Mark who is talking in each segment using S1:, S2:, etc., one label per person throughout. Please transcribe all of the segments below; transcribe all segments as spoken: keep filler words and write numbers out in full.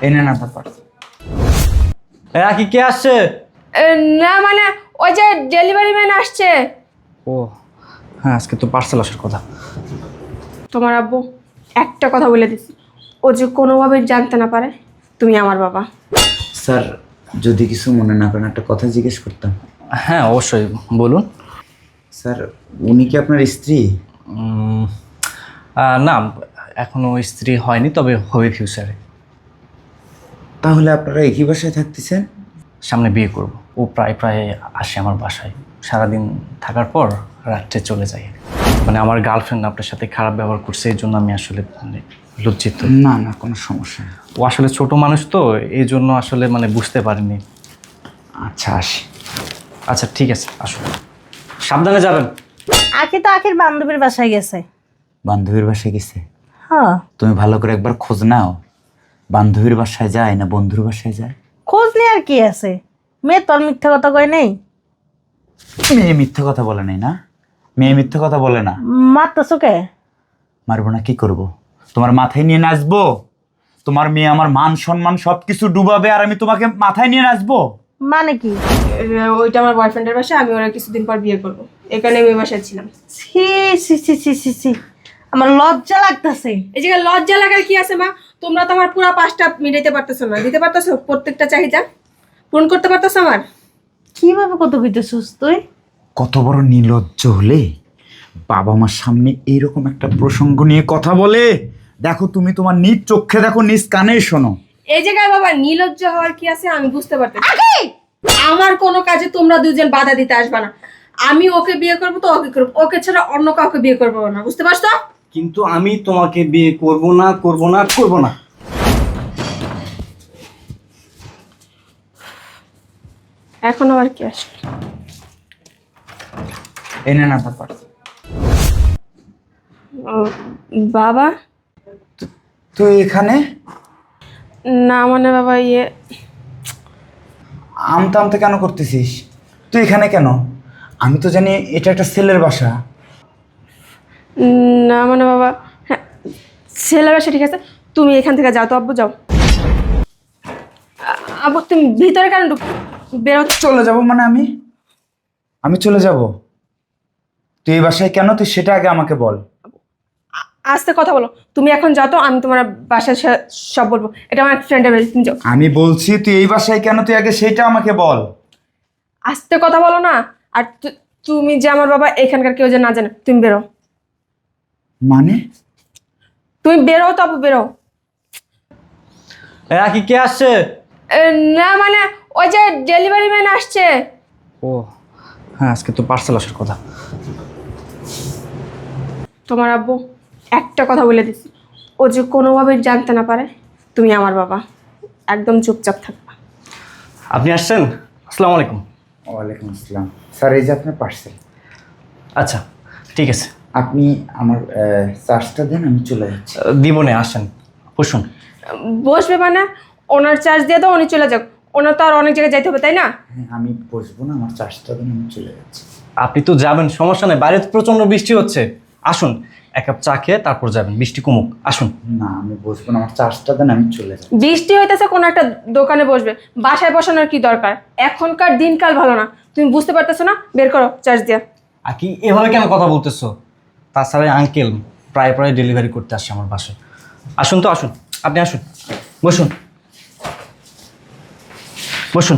S1: এই না না ব্যাপার।
S2: হ্যাঁ কি কে আসছে?
S3: না মানে ওই যে ডেলিভারি ম্যান আসছে।
S2: ও হ্যাঁ, আজকে তো পার্সেল আসার কথা।
S3: তোমার আব্বু একটা কথা বলে দিছি, ও যে কোনোভাবে জানতে না পারে তুমি আমার বাবা।
S1: স্যার যদি কিছু মনে না করেন একটা কথা জিজ্ঞেস করতাম।
S2: হ্যাঁ অবশ্যই বলুন।
S1: স্যার উনি কি আপনার স্ত্রী?
S2: উম, আহ, না এখনো স্ত্রী হয়নি, তবে হবে ফিউচারে।
S1: তাহলে আপনারা একই বাসায় থাকতেছেন?
S2: সামনে বিয়ে করব। ও প্রায় প্রায় আসে আমার বাসায়, সারাদিন থাকার পর রাত্রে চলে যায়। মানে আমার গার্লফ্রেন্ড আপনার সাথে খারাপ ব্যবহার করছে, এই জন্য আমি আসলে মানে লজ্জিত।
S1: না না কোনো সমস্যা নেই।
S2: ও আসলে ছোট মানুষ তো, এই জন্য আসলে মানে বুঝতে পারিনি।
S1: আচ্ছা আসি।
S2: আচ্ছা ঠিক আছে, আসুন, সাবধানে যাবেন।
S4: আখি তো আখির বান্ধবীর বাসায় গেছে।
S1: বান্ধবীর বাসায় গেছে?
S4: হ্যাঁ,
S1: তুমি ভালো করে একবার খোঁজ নাও, বান্ধবীর বাসায় যায় না বন্ধুর বাসায় যায়।
S4: খোঁজ নিয়ে আর কি আছে, মেয়ে তোর মিথ্যা কথা কয় নেই।
S1: মেয়ে মিথ্যে কথা বলে নাই না? মেয়ে মিথ্যে কথা বলে না।
S4: মারতেছো কে?
S1: মারবো না, কি করব? তোমার মাথায় নিয়ে নাচবো? তোমার মেয়ে আমার মান সম্মান সবকিছু ডুবাবে আর আমি তোমাকে মাথায় নিয়ে নাচবো?
S4: মানে কি?
S3: ওইটা আমার বয়ফ্রেন্ডের বাসা, আমি ওরা কিছুদিন পর বিয়ে করবো, এখানে আমি ওই বাসায় ছিলাম।
S4: ছি ছি ছি ছি ছি ছি, আমার লজ্জা লাগতেছে।
S3: এই জায়গায় লজ্জা লাগার কি আছে মা? তোমরা তো আমার পুরো পাঁচটা মিটাইতে পারতেছো না, দিতে পারতেছো প্রত্যেকটা চাহিদা পূরণ করতে পারতেছো আমার?
S4: কিভাবে কত কইতেছিস তুই?
S1: কত বড় নির্লজ্জ হলে বাবা মার সামনে এইরকম একটা প্রসঙ্গ নিয়ে কথা বলে। দেখো তুমি তোমার নিজ চোখে দেখো, নিজ কানে শোনো।
S3: এই জায়গায় বাবা নির্লজ্জ হওয়ার কি আছে আমি বুঝতে পারতেছি। আমার কোনো কাজে তোমরা দুজন বাধা দিতে আসবে না। আমি ওকে বিয়ে করবো তো ওকে করবো, ওকে ছাড়া অন্য কাউকে বিয়ে করবো না, বুঝতে পারছো?
S2: কিন্তু আমি তোমাকে বিয়ে করব না, করব না, করব না।
S3: এখন আবার কি আসলো?
S1: এই না না ব্যাপার।
S3: ও, বাবা?
S1: তুই এখানে?
S3: না মানে বাবা ইয়ে
S1: আমতা আমতা কেন করতেছিস? তুই এখানে কেন? আমি তো জানি এটা একটা ছেলের বাসা।
S3: না মানে বাবা, হ্যাঁ ছেলের বাসা ঠিক আছে, তুমি এখান থেকে যাও তো আব্বু, যাও। আ- আব্বু তুমি ভিতরে কেন ঢুক বেরো?
S1: চলে যাব মানে আমি আমি চলে যাব? তুই এই বাসায় কেন, তুই সেটা আগে আমাকে বল।
S3: আ- আস্তে কথা বলো, তুমি এখন যাও তো, আমি তোমার বাসায় সা- সব বলবো। এটা আমার ফ্রেন্ডের বাড়ি, তুমি যাও।
S1: আমি বলছি তুই এই বাসায় কেন, তুই আগে সেটা আমাকে বল।
S3: আস্তে কথা বলো না। আর তু- তুমি যে আমার বাবা, এখানকার কেউ যে না জানে, তুমি বেরো।
S1: মানে?
S3: তুমি বেরো তো আব্বু, বেরো।
S2: হ্যাঁ কি কে আসছে?
S3: এ, না মানে ওই যে ডেলিভারি ম্যান আসছে।
S2: ও হ্যাঁ, আজকে তো পার্সেল আসার কথা।
S3: তোমার আব্বু একটা কথা বলে দিছি, ও যে কোনোভাবে জানতে না পারে তুমি আমার বাবা, একদম চুপচাপ থাকবা।
S2: আপনি আসছেন? আসসালামু আলাইকুম।
S1: ওয়ালাইকুম আসসালাম। স্যার এই যে আপনার পার্সেল।
S2: আচ্ছা ঠিক আছে,
S1: আপনি আমার চার্জটা দেন, আমি চলে যাচ্ছি।
S2: আহ, দিব না, আসেন বসুন।
S3: বসবে মানে ওনার চার্জ দিয়ে দাও, উনি চলে যাক। ওনার তো আর অনেক জায়গায় যাইতে হবে, তাই না?
S1: হ্যাঁ আমি বসবো না, আমার চার্জটা দেন, আমি চলে যাচ্ছি।
S2: আপনি তো যাবেন, সমস্যা নেই, বাইরে তো প্রচন্ড বৃষ্টি হচ্ছে। আসুন এক কাপ চা খেয়ে তারপর যাবেন, বৃষ্টি কমুক। আসুন।
S1: না আমি বসবো না, আমার চার্জটা দেন, আমি চলে যাচ্ছি।
S3: বৃষ্টি হইতেছে, কোনো একটা দোকানে বসবে, বাসায় বসানোর কি দরকার? এখনকার দিনকাল ভালো না, তুমি বুঝতে পারতেছো না? বের করো চার্জ দিয়া।
S2: আর কি এভাবে কেন কথা বলতেছো? তাছাড়া আঙ্কেল প্রায় প্রায় ডেলিভারি করতে আসছে আমার বাসায়। আসুন তো, আসুন, আপনি আসুন, বসুন বসুন।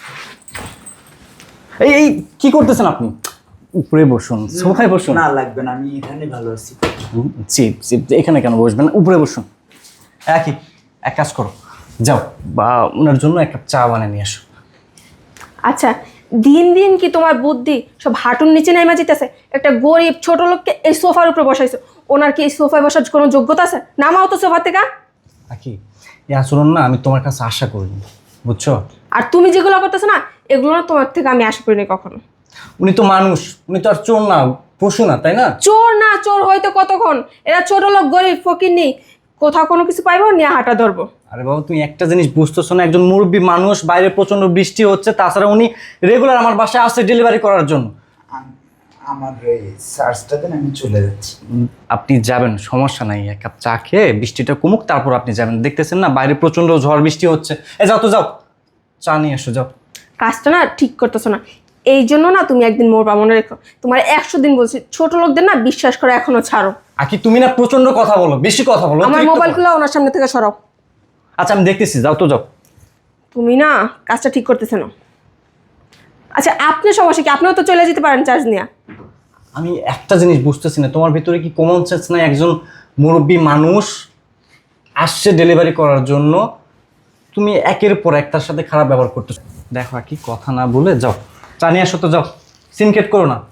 S2: এই এই কি করতেছেন আপনি? উপরে বসুন, সোফায় বসুন।
S1: না লাগবে না, আমি এখানে ভালো আছি।
S2: জি জি, এখানে কেন বসবেন? উপরে বসুন। একই এক কাজ করো, যাও বা ওনার জন্য এক কাপ চা বানিয়ে নিয়ে আসো।
S3: আচ্ছা, দিন দিন কি তোমার বুদ্ধি সব হাঁটুর নিচে নেমে যেতেছে? একটা গরিব ছোট লোককে এই সোফার উপরে বসাইছো, ওনার কি এই সোফায় বসার কোনো যোগ্যতা আছে? নামাও তো সোফা থেকে।
S2: একই এই আচরণ না আমি তোমার কাছে আশা করিনি, বুঝছো?
S3: আর তুমি যেগুলো করতেছো না, এগুলো না তোমার থেকে আমি আশা করিনি কখনো।
S2: উনি তো মানুষ, উনি তো আর চোর না, পশু না, তাই না?
S3: চোর না, চোর হয়তো কতক্ষণ, এরা ছোট লোক, গরিব, ফকির নেই, কোথাও কোনো কিছু পাইবো নিয়ে হাঁটা ধরবো।
S2: আরে বাবা তুমি একটা জিনিস বুঝতেছো না, একজন মুরব্বী মানুষ, বাইরে প্রচন্ড বৃষ্টি হচ্ছে, তাছাড়া উনি রেগুলার আমার বাসায় আসছে ডেলিভারি করার জন্য।
S1: আমার এই চার্জটা দেন, আমি চলে যাচ্ছি।
S2: উম, আপনি যাবেন, সমস্যা নাই, এক কাপ চা খেয়ে বৃষ্টিটা কমুক তারপর আপনি যাবেন। দেখতেছেন না বাইরে প্রচন্ড ঝড় বৃষ্টি হচ্ছে। এ যাও তো যাও, চা নিয়ে এসো যাও।
S3: কাজটা না ঠিক করতেছো না, এই জন্য না তুমি একদিন মরবা, মনে রেখো। তোমার একশো দিন বলছি, ছোট লোকদের না বিশ্বাস করে এখনো ছাড়ো।
S2: আকি তুমি না প্রচন্ড কথা বলো, বেশি কথা বলো।
S3: আমার
S2: অতিরিক্ত
S3: মোবাইল
S2: কথা।
S3: খুলে ওনার সামনে থেকে সরাও।
S2: আচ্ছা আমি দেখতেছি, যাও তো যাও।
S3: তুমি না কাজটা ঠিক করতেছে না। আচ্ছা আপনি সমস্যা কি? আপনিও তো চলে যেতে পারেন চার্জ নিয়ে।
S2: আমি একটা জিনিস বুঝতেছি না, তোমার ভিতরে কি কমন সেন্স নাই? একজন মুরব্বী মানুষ আসছে ডেলিভারি করার জন্য, তুমি একের পর একটার সাথে খারাপ ব্যবহার করতেছো। দেখো আর কি কথা না বলে যাও, চা নিয়ে আসো তো যাও, সিনকেট করো না।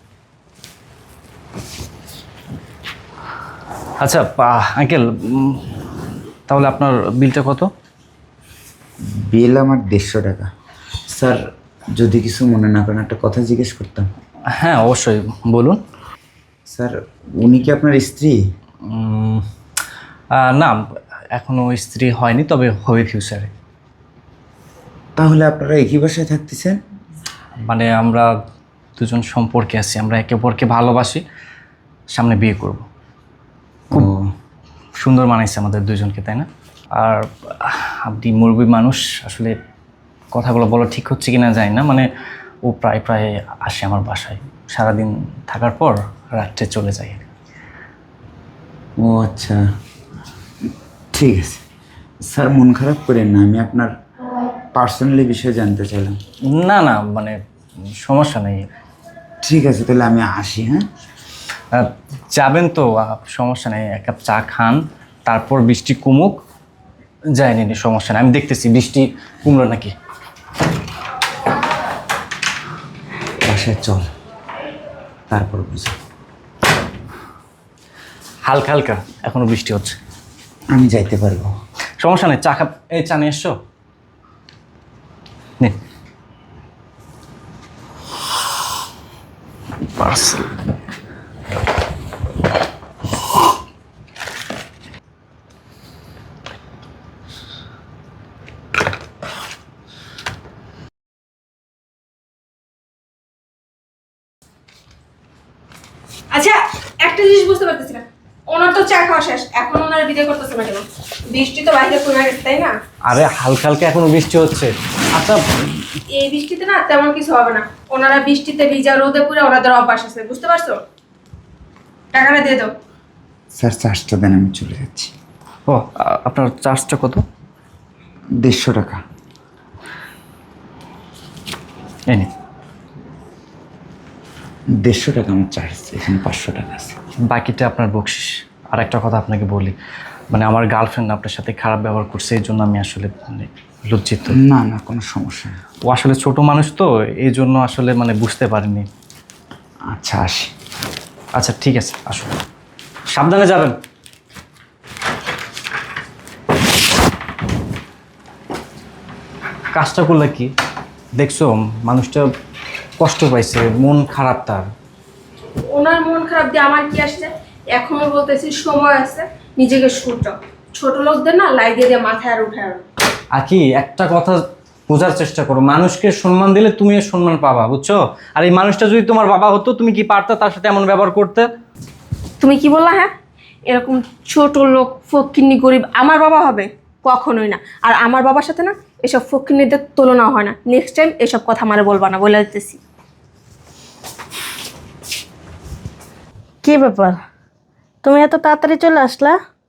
S2: আচ্ছা আঙ্কেল, তাহলে আপনার বিলটা কত?
S1: বিল আমার দেড়শো টাকা। স্যার যদি কিছু মনে না করেন একটা কথা জিজ্ঞেস করতাম।
S2: হ্যাঁ অবশ্যই বলুন।
S1: স্যার উনি কি আপনার স্ত্রী?
S2: উম, আহ, না এখনো স্ত্রী হয়নি, তবে হবে ফিউচারে।
S1: তাহলে আপনারা একই বাসায় থাকতেছেন?
S2: মানে আমরা দুজন সম্পর্কে আছি, আমরা একে অপরকে ভালোবাসি, সামনে বিয়ে করব।
S1: ও
S2: সুন্দর মানাইছে আমাদের দুজনকে, তাই না? আর আপনি মুরব্বী মানুষ, আসলে কথাগুলো বলা ঠিক হচ্ছে কিনা জানি না, মানে ও প্রায় প্রায় আসে আমার বাসায়, সারাদিন থাকার পর রাত্রে চলে যায়।
S1: ও আচ্ছা, ঠিক আছে স্যার, মন খারাপ করেন না, আমি আপনার পার্সোনালি বিষয়ে জানতে চাইলাম।
S2: না না মানে সমস্যা নেই।
S1: ঠিক আছে তাহলে আমি আসি। হ্যাঁ
S2: আহ, যাবেন তো, আহ, সমস্যা নেই, এক কাপ চা খান, তারপর বৃষ্টি কমুক, যায়নি সমস্যা নেই, আমি দেখতেছি বৃষ্টি কমলো নাকি।
S1: বাসায় চল, তারপর বুঝি।
S2: হালকা হালকা এখনো বৃষ্টি হচ্ছে,
S1: আমি যাইতে পারবো।
S2: সমস্যা নেই, চা খাপ। এই চা নিয়ে এসছো, নিন। পার্সেল।
S3: আচ্ছা একটা জিনিস বুঝতে পারতেছি না, ওনার তো চা খাওয়া শেষ, এখন ওনারা বিদায় করতেছে না কেন? বৃষ্টি তো বাইরে কমে গেছে, তাই না?
S2: আরে হালকা হালকা এখনো বৃষ্টি হচ্ছে। আচ্ছা
S3: এই বৃষ্টিতে না তেমন কিছু হবে না, ওনারা বৃষ্টিতে ভিজা রোদে পুরো ওনাদের অভ্যাস আছে, বুঝতে পারছো? টাকাটা দিয়ে দাও।
S1: স্যার চার্জটা দেন, আমি চলে যাচ্ছি।
S2: ও আ- আপনার চার্জটা কত?
S1: দেড়শো টাকা।
S2: এই নিন।
S1: দেড়শো টাকা আমার চার্জ, এখানে পাঁচশো টাকা আছে।
S2: বাকিটা আপনার বকশিস। আর একটা কথা আপনাকে বলি, মানে আমার গার্লফ্রেন্ড আপনার সাথে খারাপ ব্যবহার করছে, এই জন্য আমি আসলে মানে লজ্জিত।
S1: না না কোনো সমস্যা নেই।
S2: ও আসলে ছোট মানুষ তো, এই জন্য আসলে মানে বুঝতে পারিনি।
S1: আচ্ছা আসি।
S2: আচ্ছা ঠিক আছে, আসুন, সাবধানে যাবেন। কাজটা করলে কি দেখছো, মানুষটা কষ্ট পাইছে, মন খারাপ তার।
S3: ওনার মন খারাপ দিয়ে আমার কি আসছে? এখনো বলতেছি সময় আছে, নিজেকে শুটাও। ছোট লোকদের না লাই দিয়ে দিয়ে মাথায় আর উঠে আর
S2: আর কি একটা কথা বোঝার চেষ্টা করো, মানুষকে সম্মান দিলে তুমি এর সম্মান পাবা, বুঝছো? আর এই মানুষটা যদি তোমার বাবা হতো, তুমি কি পারতা তার সাথে এমন ব্যবহার করতে?
S3: তুমি কি বললা? হ্যাঁ, এরকম ছোট লোক ফকিন্নি গরিব আমার বাবা হবে? কখনোই না। আর আমার বাবার সাথে না এসব ফকিন্নিদের তুলনা হয় না। নেক্সট টাইম এসব কথা আমারে বলবা না, বলে দিতেছি।
S4: কি ব্যাপার, তুমি এত তাড়াতাড়ি চলে আসলা?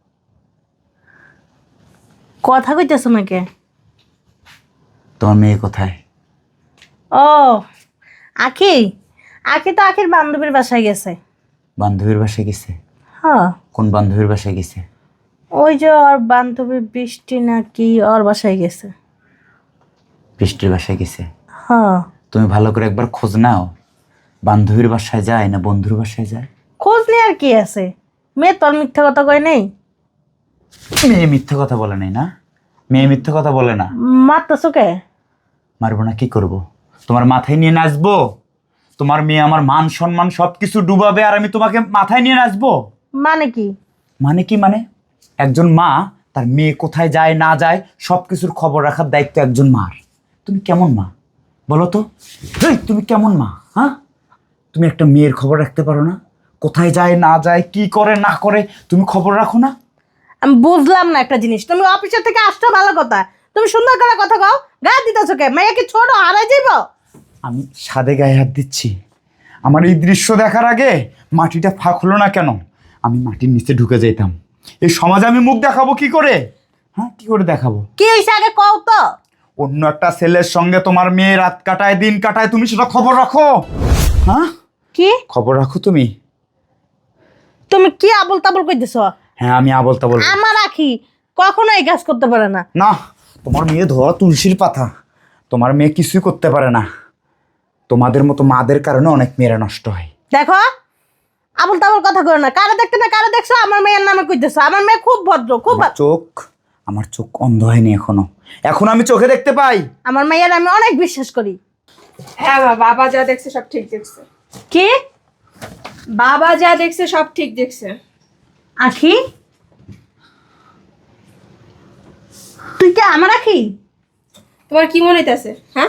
S4: কথা কইতেছো নাকি?
S1: তোমার মেয়ে কোথায়?
S4: ও আখি, আখি তো আখির বান্ধবীর বাসায় গেছে।
S1: বান্ধবীর বাসায় গেছে?
S4: হ্যাঁ,
S1: কোন বান্ধবীর বাসায় গেছে?
S4: ওই যে ওর বান্ধবী বৃষ্টি নাকি ওর বাসায় গেছে।
S1: বৃষ্টির বাসায় গেছে?
S4: হ্যাঁ,
S1: তুমি ভালো করে একবার খোঁজ নাও, বান্ধবীর বাসায় যায় না বন্ধুর বাসায় যায়।
S4: খোঁজ নিয়ে আর কি আছে, মেয়ে তোর মিথ্যা কথা কয় নেই।
S1: মেয়ে মিথ্যে কথা বলে নাই না, মেয়ে মিথ্যে কথা বলে না।
S4: মারতেছো কে?
S1: মারবো না, কি করব? তোমার মাথায় নিয়ে নাচবো? তোমার মেয়ে আমার মান সম্মান সবকিছু ডুবাবে আর আমি তোমাকে মাথায় নিয়ে নাচবো?
S4: মানে কি?
S1: মানে কি মানে, একজন মা তার মেয়ে কোথায় যায় না যায় সবকিছুর খবর রাখার দায়িত্ব একজন মার। তুমি কেমন মা বলো তো? এই, তুমি কেমন মা? হ্যাঁ, তুমি একটা মেয়ের খবর রাখতে পারো না? কোথায় যায় না যায়, কি করে না করে, তুমি খবর রাখো না?
S4: আমি বুঝলাম না একটা জিনিস, তুমি অফিসের থেকে আসছো ভালো কথা, তুমি সুন্দর করে কথা কও, গায়ে দিতেছো কে? মেয়ে কি ছোট হারাই যাইব?
S1: আমি সাদে গায়ে হাত দিচ্ছি? আমার এই দৃশ্য দেখার আগে মাটিটা ফাঁক হলো না কেন? আমি মাটির নিচে ঢুকে যেতাম। এই সমাজে আমি মুখ দেখাবো কি করে? হ্যাঁ, কি করে দেখাবো?
S4: কি হয়েছে আগে কও তো।
S1: অন্য একটা ছেলের সঙ্গে তোমার মেয়ে রাত কাটায়, দিন কাটায়, তুমি সেটা খবর রাখো? হ্যাঁ,
S4: কি
S1: খবর রাখো তুমি?
S4: তুমি কি আবল তাবল কইতেছো?
S1: হ্যাঁ, আমি আবল তাবল।
S4: আমার আখি কখনো এই কাজ করতে পারে না।
S1: না, তোমার মেয়ে ধোয়া তুলসীর পাতা। তোমার মেয়ে কিছুই করতে পারে না। তোমাদের মতো মাদের কারণে অনেক মেয়েরা নষ্ট হয়।
S4: দেখো আবল তাবল কথা কইও না। কারে দেখতে না কারে দেখছো আমার মেয়ের নামে কইতেছো। আমার মেয়ে খুব ভদ্র, খুব
S1: আমার চোখ আমার চোখ অন্ধ হয়নি এখনো। এখন আমি চোখে দেখতে পাই।
S4: আমার মেয়ের আমি অনেক বিশ্বাস করি।
S3: হ্যাঁ মা, বাবা যা দেখছে সব ঠিক দেখছে।
S4: কি
S3: বাবা যা দেখছে সব ঠিক দেখছে।
S4: আখি তুই কি আমার আখি?
S3: তোমার কি মনে হইতেছে? হ্যাঁ,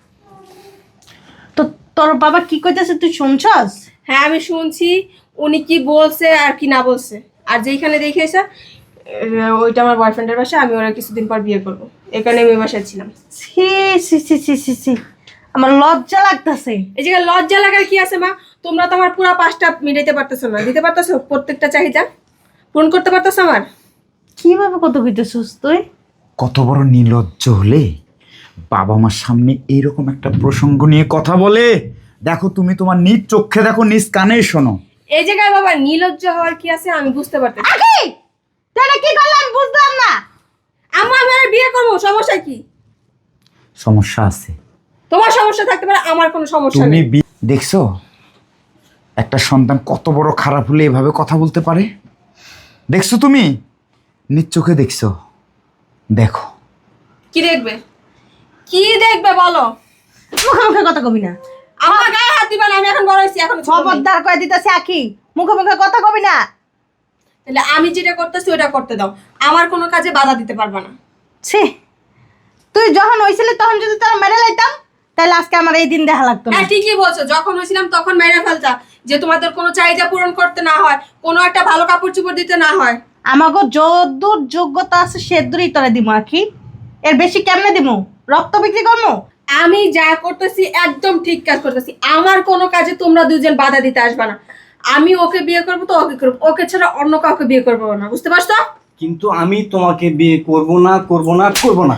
S4: তো তোর বাবা কি কইতেছে তুই শুনছস?
S3: হ্যাঁ আমি শুনছি উনি কি বলছে আর কি না বলছে। আর যেখানে দেখেছে ওইটা আমার বয়ফ্রেন্ডের বাসা, আমি ওরা কিছুদিন পর বিয়ে করবো, এখানে আমি বাসায় ছিলাম।
S4: ছি ছি ছি ছি ছি ছি আমার লজ্জা লাগতেছে।
S3: এই জায়গায় লজ্জা লাগার কি আছে মা? তোমরা তো আমার পুরো পাঁচটা মিটাইতে পারতেছো না, দিতে পারতেছো প্রত্যেকটা চাহিদা পূরণ করতে পারতেছো আমার?
S4: কিভাবে কত কইতেছস তুই?
S1: কত বড় নির্লজ্জ হলে বাবা মার সামনে এইরকম একটা প্রসঙ্গ নিয়ে কথা বলে। দেখো, তুমি তোমার নিজ চোখে দেখো, নিজ কানে শোনো।
S3: এই জায়গায় বাবা নির্লজ্জ হওয়ার কি আছে আমি বুঝতে পারতেছি।
S4: আখি তুই এটা কি করলি আমি বুঝলাম না।
S3: আম্মা আমি আর বিয়ে করবো, সমস্যা কি?
S1: সমস্যা আছে।
S3: তোমার সমস্যা থাকতে পারে, আমার কোনো সমস্যা
S1: তুমি
S3: নেই।
S1: বি- দেখছো একটা সন্তান কত বড় খারাপ হলে এভাবে কথা বলতে পারে? দেখছো তুমি, নিজ চোখে দেখছো। দেখো।
S3: কি দেখবে? কি দেখবে বলো?
S4: মুখে মুখে কথা কবি না।
S3: আমার গায়ে হাত দিবা না, আমি এখন বড় হয়েছি, এখন ছোট নেই।
S4: খবরদার কয়ে দিতেছি আখি, মুখে মুখে কথা কবি না।
S3: তাহলে আমি যেটা করতেছি ওটা করতে দাও, আমার কোনো কাজে বাধা দিতে পারবা না।
S4: ছি তুই যখন হইছিলি তখন যদি তোরা মেরে লাইতাম তাহলে আজকে আমার এই দিন দেখা লাগতো না।
S3: হ্যাঁ ঠিকই বলছো, যখন হয়েছিলাম তখন মেরে ফেলতা, যে তোমাদের কোনো চাহিদা পূরণ করতে না হয়, কোনো একটা ভালো কাপড় চোপড় দিতে না হয়।
S4: আমাকে যদ্দূর যোগ্যতা আছে সেদূরই তোরা দিমু আখি। এর বেশি কেমনে দিমু? রক্ত বিক্রি করবো?
S3: আমি যা করতেছি একদম ঠিক কাজ করতেছি, আমার কোনো কাজে তোমরা দুজন বাধা দিতে আসবে না। আমি ওকে বিয়ে করবো তো ওকে করবো, ওকে ছাড়া অন্য কাউকে বিয়ে করবো না, বুঝতে পারছো?
S2: কিন্তু আমি তোমাকে বিয়ে করব না, করব না, করব না।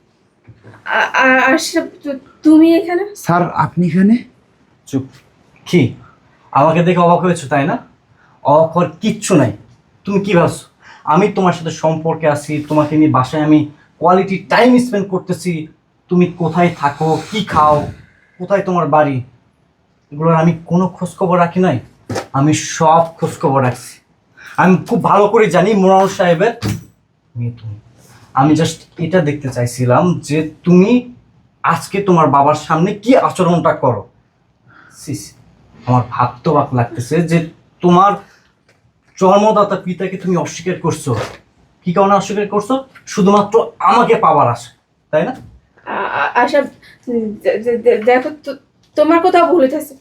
S3: আ- আ- আশরাফ, তু- তুমি এখানে?
S1: স্যার, আপনি এখানে?
S2: চুপ। কি আমাকে দেখে অবাক হয়েছো তাই না? অবাক হওয়ার কিচ্ছু নাই। তুমি কি ভাবছো আমি তোমার সাথে সম্পর্কে আছি, তোমাকে নিয়ে বাসায় আমি কোয়ালিটি টাইম স্পেন্ড করতেছি, তুমি কোথায় থাকো, কি খাও, কোথায় তোমার বাড়ি, এগুলোর আমি কোনো খোঁজখবর রাখি নাই? আমি সব খোঁজখবর রাখছি। আমি খুব ভালো করে জানি মোরাল সাহেবের মেয়ে তুমি। আমি জাস্ট এটা দেখতে চাইছিলাম যে তুমি আজকে তোমার বাবার সামনে কি আচরণটা করো। সিস, আমার ভাবতে অবাক লাগতেছে যে তোমার জন্মদাতা পিতাকে তুমি অস্বীকার করছো। কি কারণে অস্বীকার করছো? শুধুমাত্র আমাকে পাওয়ার আশা, তাই না?
S3: আ- আ- আশরাফ, দে- দে- দে- দেখো তো- তোমার কোথাও ভুল হইতেছে।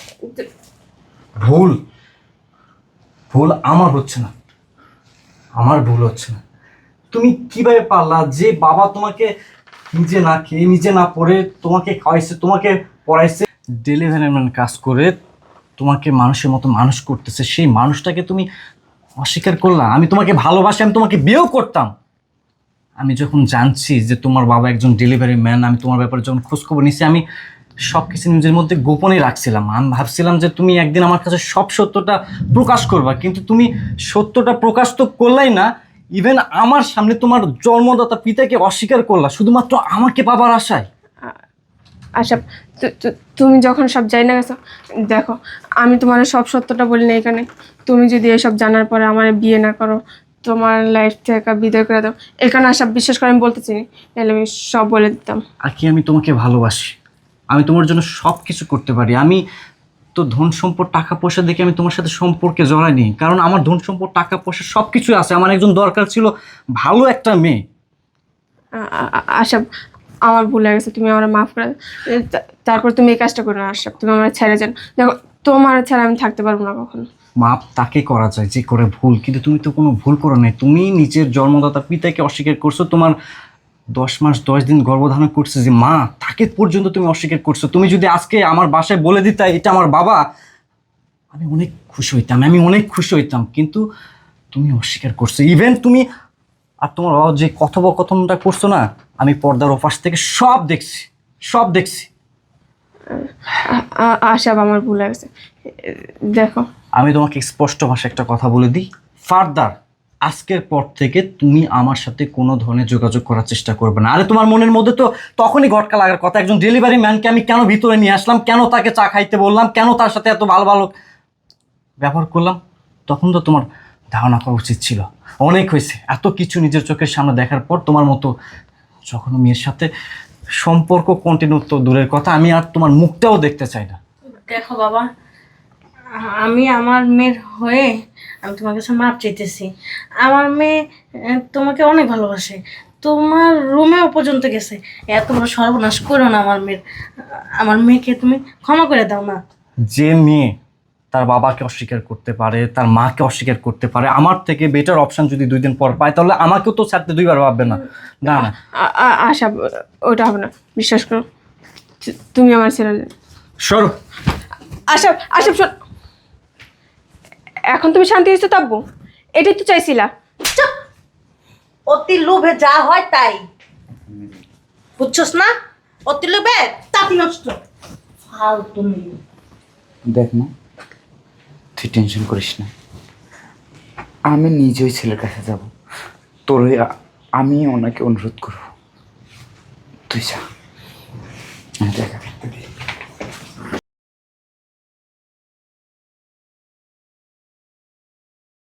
S2: ভুল ভুল আমার হচ্ছে না, আমার ভুল হচ্ছে না। তুমি কিভাবে পারলা যে বাবা তোমাকে নিজে না খেয়ে নিজে না পড়ে তোমাকে খাওয়াইছে, তোমাকে পড়াইছে, ডেলিভারি ম্যান কাজ করে তোমাকে মানুষের মতো মানুষ করতেছে, সেই মানুষটাকে তুমি অস্বীকার করলা? আমি তোমাকে ভালোবাসি, আমি তোমাকে বিয়েও করতাম। আমি যখন জানছি যে তোমার বাবা একজন ডেলিভারি ম্যান, আমি তোমার ব্যাপারে যখন খোঁজখবর নিছি, আমি সব কিছু নিজের মধ্যে গোপনে রাখছিলাম। আমি ভাবছিলাম যে তুমি একদিন আমার কাছে সব সত্যটা প্রকাশ করবা, কিন্তু তুমি সত্যটা প্রকাশ তো করলাই না। ইভেন আমার সামনে তোমার জন্মদাতা পিতাকে অস্বীকার করলা শুধুমাত্র আমাকে পাবার আশায়।
S3: আশরাফ, তু- তু- তুমি যখন সব যাই না গেছো, দেখো আমি তোমার সব সত্যটা বলি না এখানে। তুমি যদি এসব জানার পরে আমার বিয়ে না করো, তোমার লাইফ থেকে বিদায় করে দাও, এখানে আশরাফ বিশ্বাস করে আমি বলতে চিনি, তাহলে আমি সব বলে দিতাম।
S2: আর কি, আমি তোমাকে ভালোবাসি, আমি তোমার জন্য সব কিছু করতে পারি। আমি তো ধন সম্পদ টাকা পয়সা দেখে আমি তোমার সাথে সম্পর্কে জড়াইনি, কারণ আমার ধন সম্পদ টাকা পয়সা সব কিছুই আছে। আমার একজন দরকার ছিল ভালো একটা মেয়ে।
S3: আ- আ- আ- আশরাফ, আমার ভুল হয়ে গেছে, তুমি আমার মাফ করে দাও। এ, তা- তারপর তুমি এই কাজটা করো না আশরাফ, তুমি আমার ছেড়ে যান। দেখো তোমার ছাড়া আমি থাকতে পারবো না কখনো।
S2: মাপ তাকে করা যায় যে করে ভুল, কিন্তু তুমি তো কোনো ভুল করো নাই। তুমি নিজের জন্মদাতা পিতাকে অস্বীকার করছো, তোমার দশ মাস দশ দিন গর্ভধারণ করছে যে মা, তাকে পর্যন্ত তুমি অস্বীকার করছো। তুমি যদি আজকে আমার বাসায় বলে দিতা এটা আমার বাবা, আমি অনেক খুশি হইতাম, আমি অনেক খুশি হইতাম, কিন্তু তুমি অস্বীকার করছো। ইভেন তুমি আর তোমার বাবা যে কথোপকথনটা করছো না, আমি পর্দার ওপাশ থেকে সব দেখছি, সব দেখছি।
S3: আ- আ- আশা আমার ভুল হয়ে গেছে। দেখো
S2: আমি তোমাকে স্পষ্ট ভাষায় একটা কথা বলে দিই, ফার্দার আজকের পর থেকে তুমি আমার সাথে কোনো ধরনের যোগাযোগ করার চেষ্টা করবে না। আরে তোমার মনের মধ্যে তো তখনই ঘটকা লাগার কথা, একজন ডেলিভারি ম্যানকে আমি কেন ভিতরে নিয়ে আসলাম, কেন তাকে চা খাইতে বললাম, কেন তার সাথে এত ভালো ভালো ব্যবহার করলাম, তখন তো তোমার ধারণা করা উচিত ছিল। অনেক হয়েছে, এত কিছু নিজের চোখের সামনে দেখার পর তোমার মতো যখন মেয়ের সাথে সম্পর্ক কন্টিনিউ তো দূরের কথা, আমি আর তোমার মুখটাও দেখতে চাই না।
S4: দেখো বাবা, আমি আমার মেয়ের হয়ে আমি তোমার কাছে মাপ চাইতেছি। আমার মেয়ে আহ, তোমাকে অনেক ভালোবাসে, তোমার রুমেও পর্যন্ত গেছে। এত বড় সর্বনাশ করো না আমার মেয়ের। আমার মেয়েকে তুমি ক্ষমা করে দাও না।
S2: যে মেয়ে তার বাবাকে অস্বীকার করতে পারে, তার মাকে অস্বীকার করতে পারে, আমার থেকে বেটার অপশন যদি দুই দিন পর পায়, তাহলে আমাকেও তো ছাড়তে দুইবার ভাববে না। না না
S3: আ- আ- আশা, ওটা হবে না, বিশ্বাস করো। তু- তুমি আমার ছেলে।
S2: সরো।
S3: আশা, আশা শোন, এখন তুমি শান্তি হয়েছো তাব্বু, এটাই তো চাইছিলা।
S4: চুপ! অতি লোভে যা হয় তাই, বুঝছস না? অতি লোভে তাতি নষ্ট। ফালতু মেয়ে।
S1: দেখ না, তুই টেনশন করিস না, আমি নিজেই ছেলের কাছে যাব, তোর হয়ে আ- আমি ওনাকে অনুরোধ করব, তুই যা, আমি দেখা